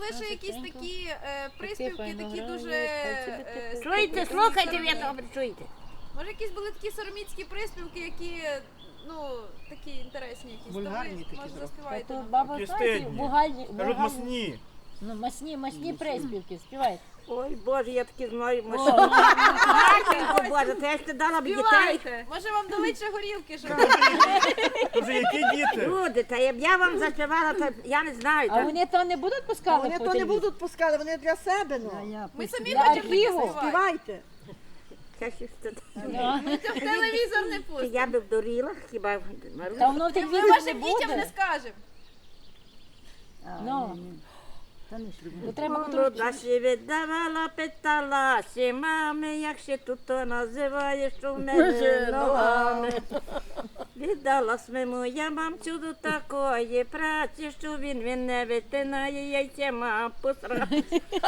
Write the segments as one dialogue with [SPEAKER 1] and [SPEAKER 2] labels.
[SPEAKER 1] були ще якісь такі приспівки, такі дуже...
[SPEAKER 2] Чуєте, слухайте, ви добре чуєте.
[SPEAKER 1] Може, якісь були такі сороміцькі приспівки, які, ну, такі інтересні якісь.
[SPEAKER 3] Вульгарні такі
[SPEAKER 1] Може,
[SPEAKER 3] трохи.
[SPEAKER 1] заспіваєте.
[SPEAKER 4] Тут баба,
[SPEAKER 5] Такі
[SPEAKER 4] знаєте,
[SPEAKER 5] стидні.
[SPEAKER 4] бугальні,
[SPEAKER 5] Кажуть, масні.
[SPEAKER 4] ну, масні приспівки, співайте.
[SPEAKER 2] Ой, Боже, я таки знаю машину. Матінко Боже, то я ж ти дала б дітей.
[SPEAKER 1] Співайте! Може, вам дали ще горілки, щоб...
[SPEAKER 5] То вже які діти?
[SPEAKER 2] Люди, та я вам заспівала, то я не знаю.
[SPEAKER 4] А вони то не будуть пускати
[SPEAKER 3] Вони
[SPEAKER 4] по
[SPEAKER 3] то не
[SPEAKER 4] телевізору?
[SPEAKER 3] будуть пускати, вони для себе, ну.
[SPEAKER 1] Ми самі
[SPEAKER 4] Для
[SPEAKER 1] хочемо таке
[SPEAKER 4] архіву.
[SPEAKER 1] співати.
[SPEAKER 3] Співайте.
[SPEAKER 1] Ми це в телевізор не пустимо.
[SPEAKER 2] Я би вдуріла, хіба
[SPEAKER 4] Та воно в
[SPEAKER 1] Ми
[SPEAKER 4] телевізорі не
[SPEAKER 1] вашим дітям не
[SPEAKER 4] буде.
[SPEAKER 1] скажемо.
[SPEAKER 4] Ну, то треба
[SPEAKER 2] Молода ще віддавала, питалася, мами, як ще тут то називаєш, що в мене ногами. Віддала своєму я мамцю до такої праці, що він не витинає, яйця мам посрати.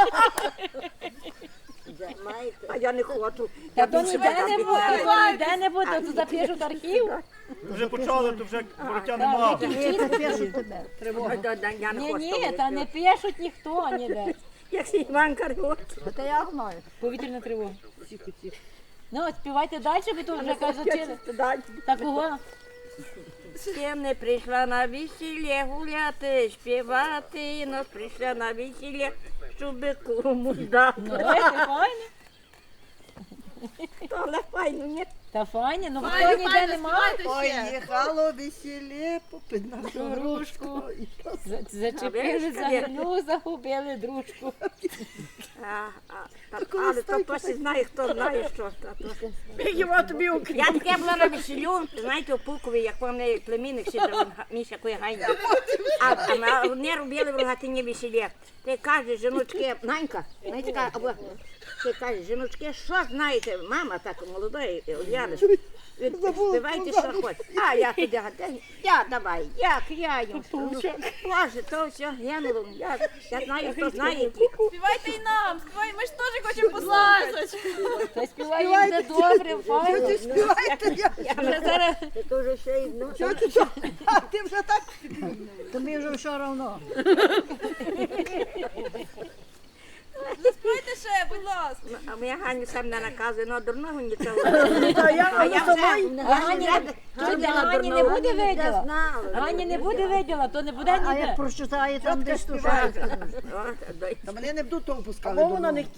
[SPEAKER 2] А я не хочу.
[SPEAKER 4] Та то ніде не буде, то ніде не буде, то запишуть архів.
[SPEAKER 5] Вже почали, то вже вороття нема.
[SPEAKER 3] Тривога.
[SPEAKER 2] Я не
[SPEAKER 4] Ні,
[SPEAKER 2] хочу.
[SPEAKER 4] ні, та не пишуть ніхто ніде.
[SPEAKER 2] Як Іван Каргот.
[SPEAKER 4] Повітряна тривога. Ну, от співайте далі, ви тут вже кажуть, такого.
[SPEAKER 2] Ще не прийшла на весілля гуляти, співати, но прийшла на весілля, щоб кому дати.
[SPEAKER 4] Ну, це файно.
[SPEAKER 2] Але файно, ні?
[SPEAKER 4] Та файно, ну
[SPEAKER 1] Файно,
[SPEAKER 4] хто ніде
[SPEAKER 1] файно,
[SPEAKER 4] нема.
[SPEAKER 1] співайте ще.
[SPEAKER 3] Поїхало весілля, попід нашу
[SPEAKER 4] Грушку.
[SPEAKER 3] грушку.
[SPEAKER 4] Зачепили за гню, загубили дружку.
[SPEAKER 2] Але то пошли знає, хто знає, що. Я таке була на весіллю, знаєте, у Пулкові, як у мене племінник сидів, Міша Куягайня. А вони робили в Рогатині весілля. Ти каже, жіночки, Нанька, ти каже, жіночки, що знаєте, мама так молодої, Ульяни, співайте, що хочете. А я туди, я давай, як я їм. Боже, то все, я не люблю, я знаю, хто знає.
[SPEAKER 1] Співайте і нам, співайте, ми ж теж хочемо послухати.
[SPEAKER 4] Та співаємо де добре, файно.
[SPEAKER 3] Співайте, я.
[SPEAKER 4] Вже зараз
[SPEAKER 2] Ти дуже ще й, ну,
[SPEAKER 3] Що ти що? А ти вже так?
[SPEAKER 4] тобі вже все одно.
[SPEAKER 1] Заспівайте ще, будь ласка.
[SPEAKER 2] а моя Ганю сам не наказує, ну, дурного нічого.
[SPEAKER 3] Та я
[SPEAKER 2] А я вже,
[SPEAKER 4] Гані не буде виділа.
[SPEAKER 2] знала.
[SPEAKER 4] Гані не буде виділа, то не буде ніде.
[SPEAKER 3] прочитає там десь тут. Та мене не будуть того пускали. Або вона не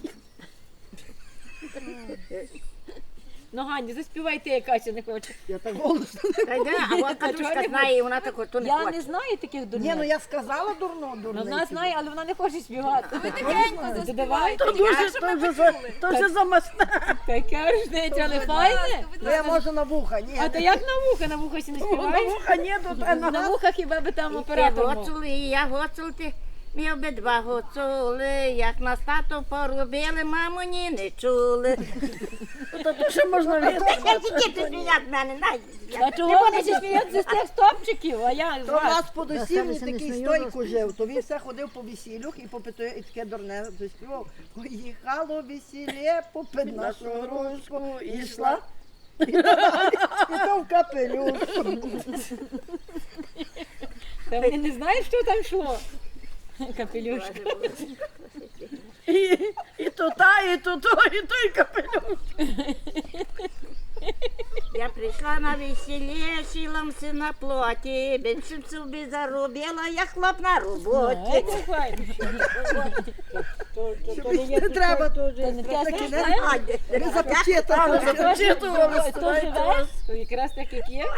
[SPEAKER 4] Ну, Гані, заспівай ти, яка ще не хоче.
[SPEAKER 3] Я так голосно.
[SPEAKER 2] А от Катюшка знає, і вона так от, то не
[SPEAKER 4] Я не
[SPEAKER 2] хоче.
[SPEAKER 4] знаю таких
[SPEAKER 3] Ні,
[SPEAKER 4] дурних.
[SPEAKER 3] ну я сказала дурно,
[SPEAKER 4] Ну,
[SPEAKER 3] дурно.
[SPEAKER 4] вона знає, але вона не хоче співати.
[SPEAKER 1] Ви тихенько заспівайте.
[SPEAKER 3] То вже замасне.
[SPEAKER 4] Таке ж не але
[SPEAKER 1] Будь
[SPEAKER 4] файне.
[SPEAKER 1] ласка, будь
[SPEAKER 3] Ну я
[SPEAKER 1] ласка.
[SPEAKER 3] можу на вуха, ні.
[SPEAKER 4] А то як на вуха? На вуха ще не
[SPEAKER 3] На
[SPEAKER 4] співаєш?
[SPEAKER 3] вуха ні, то
[SPEAKER 4] На вуха хіба би там
[SPEAKER 2] Ти
[SPEAKER 4] оператор мов.
[SPEAKER 2] гоцули, і я гоцулти. Ми обидва гоцули, як нас тато порубили, мамо, ні не чули.
[SPEAKER 3] то ще можна від.
[SPEAKER 2] Діти сміють мене,
[SPEAKER 4] А чого вони ще сміються з тих стопчиків? А я з
[SPEAKER 3] То в
[SPEAKER 4] вас.
[SPEAKER 3] нас по досівні такий стойку жив, то він все ходив по весіллях і попитує, і таке дурне заспівав. Поїхало весілля, попід нашу грушку, і йшла. І то в капелюшку.
[SPEAKER 4] Та вони не знають, що там йшло. Капелюшка.
[SPEAKER 3] І то та, і то то, і той капелюш.
[SPEAKER 2] Я прийшла на весілля, шиломся на плоті, більше собі заробила, я хлоп на роботі.
[SPEAKER 4] Це файно.
[SPEAKER 3] Не треба
[SPEAKER 4] То не те
[SPEAKER 3] такі
[SPEAKER 4] знаєш?
[SPEAKER 3] не запечатали, запечатували.
[SPEAKER 4] Хто живе? То якраз так, як є.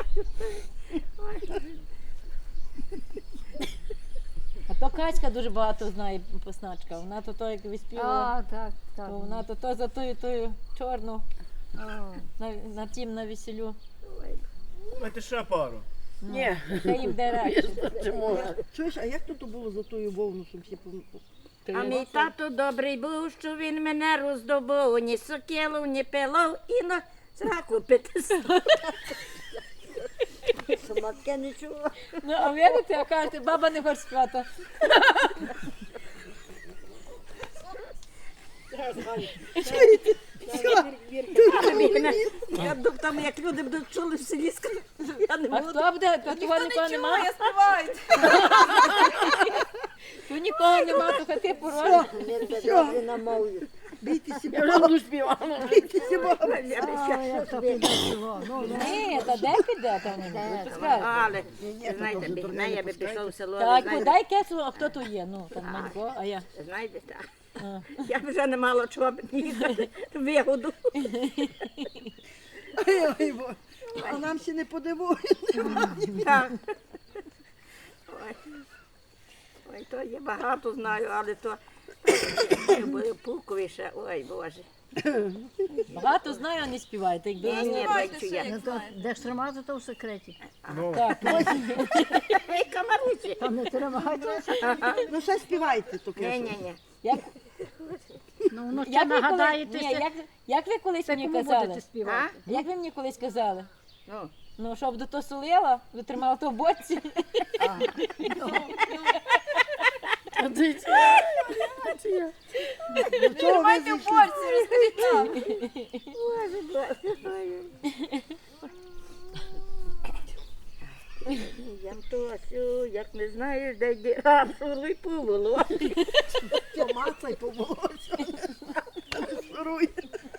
[SPEAKER 4] А то Качка дуже багато знає посначка. Вона то як виспівала.
[SPEAKER 6] так,
[SPEAKER 4] То вона то за тою чорну на тім на весілю.
[SPEAKER 5] Давайте ще пару.
[SPEAKER 3] Ні.
[SPEAKER 4] Це їм де радше.
[SPEAKER 3] Чуєш, а як тут було за тою вовну, щоб всі
[SPEAKER 2] А мій тато добрий був, що він мене роздобув, ні сокілу, ні пилов, і на сраку пити. Самотке не чула.
[SPEAKER 4] Ну, а видите, а кажете, баба не хоче спати.
[SPEAKER 2] Я думаю, там як люди будуть чули в селі, скажуть, я не
[SPEAKER 4] А
[SPEAKER 2] буду.
[SPEAKER 4] хто буде? Та того
[SPEAKER 1] Ніхто
[SPEAKER 4] нікого
[SPEAKER 1] не чує,
[SPEAKER 4] немає.
[SPEAKER 1] співайте.
[SPEAKER 4] Тут нікого нема, то хати порожні.
[SPEAKER 3] Все, бійтеся Бога. Бійтеся Бога.
[SPEAKER 4] Ні, та де піде там? Ви скажете.
[SPEAKER 2] Але, знаєте, бігна, я би пішов в село,
[SPEAKER 4] Так,
[SPEAKER 2] знаєте,
[SPEAKER 4] дай кесу, а хто тут є? Ну, там Манько, а я.
[SPEAKER 2] знаєте, так.
[SPEAKER 4] А.
[SPEAKER 2] Я б вже не мала чого б їхати, вигоду.
[SPEAKER 3] Ой, Боже. А нам ще не подивують.
[SPEAKER 2] Так. Ой. Ой, то є багато знаю, але то були пуковіше, ой, Боже.
[SPEAKER 4] Багато знаю, а не співаєте. Якби
[SPEAKER 2] Ні, ні,
[SPEAKER 1] Давайте
[SPEAKER 2] бачу
[SPEAKER 1] ще,
[SPEAKER 2] я.
[SPEAKER 1] як знаєте.
[SPEAKER 6] Де ж тримати, то в секреті.
[SPEAKER 5] Ну,
[SPEAKER 4] так,
[SPEAKER 2] Ой, камаручі.
[SPEAKER 6] Там не тримати.
[SPEAKER 3] Ну, ще співайте таке.
[SPEAKER 2] Ні, ні, ні.
[SPEAKER 4] як,
[SPEAKER 6] Ну, вночі
[SPEAKER 4] як, ви коли,
[SPEAKER 6] нагадаєте,
[SPEAKER 4] ні, як ви колись мені
[SPEAKER 6] кому
[SPEAKER 4] казали?
[SPEAKER 6] будете співати?
[SPEAKER 4] Як ви мені колись казали?
[SPEAKER 2] Ну,
[SPEAKER 4] Ну, щоб до то солила, ви тримали то в боці.
[SPEAKER 1] Тримайте в борці, розкажіть нам.
[SPEAKER 2] Янтосю, як не знаєш, де йде, а суруй по волосі.
[SPEAKER 3] Помацай по волосся. Шуруй.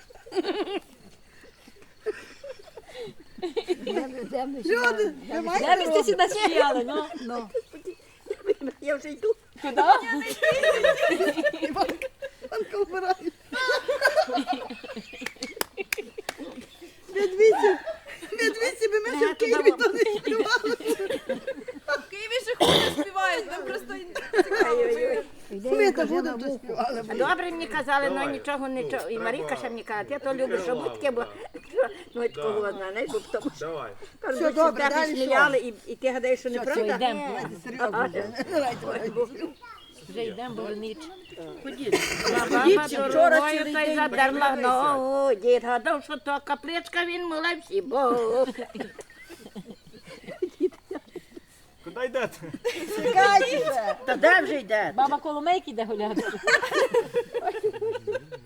[SPEAKER 3] Люди, ви маєте
[SPEAKER 4] Де ви всі наспіяли, ну?
[SPEAKER 2] Я вже йду.
[SPEAKER 4] Куди?
[SPEAKER 3] Іванка вбирає. Медвідці би ми ще в Києві то не співали.
[SPEAKER 1] В Києві ще хуйня співають, нам просто цікаво.
[SPEAKER 3] Ми то будемо то співали.
[SPEAKER 2] Добре мені казали, ну нічого. І Марійка ще мені каже, я то люблю, щоб таке, бо ну от кого знаєш, бо тому що
[SPEAKER 3] Все добре,
[SPEAKER 2] тебе
[SPEAKER 3] далі
[SPEAKER 2] сміяли, і ти гадаєш, що
[SPEAKER 4] Все,
[SPEAKER 2] неправда.
[SPEAKER 4] йдемо.
[SPEAKER 3] Серйозно вже.
[SPEAKER 4] Вже йдемо, бо ніч.
[SPEAKER 2] Баба дорогою та й задерла ногу, дід гадав, що то капличка, він молився, бо
[SPEAKER 5] куди йдете?
[SPEAKER 3] Чекайте.
[SPEAKER 2] та де вже йде?
[SPEAKER 4] Баба Коломейки йде гуляти.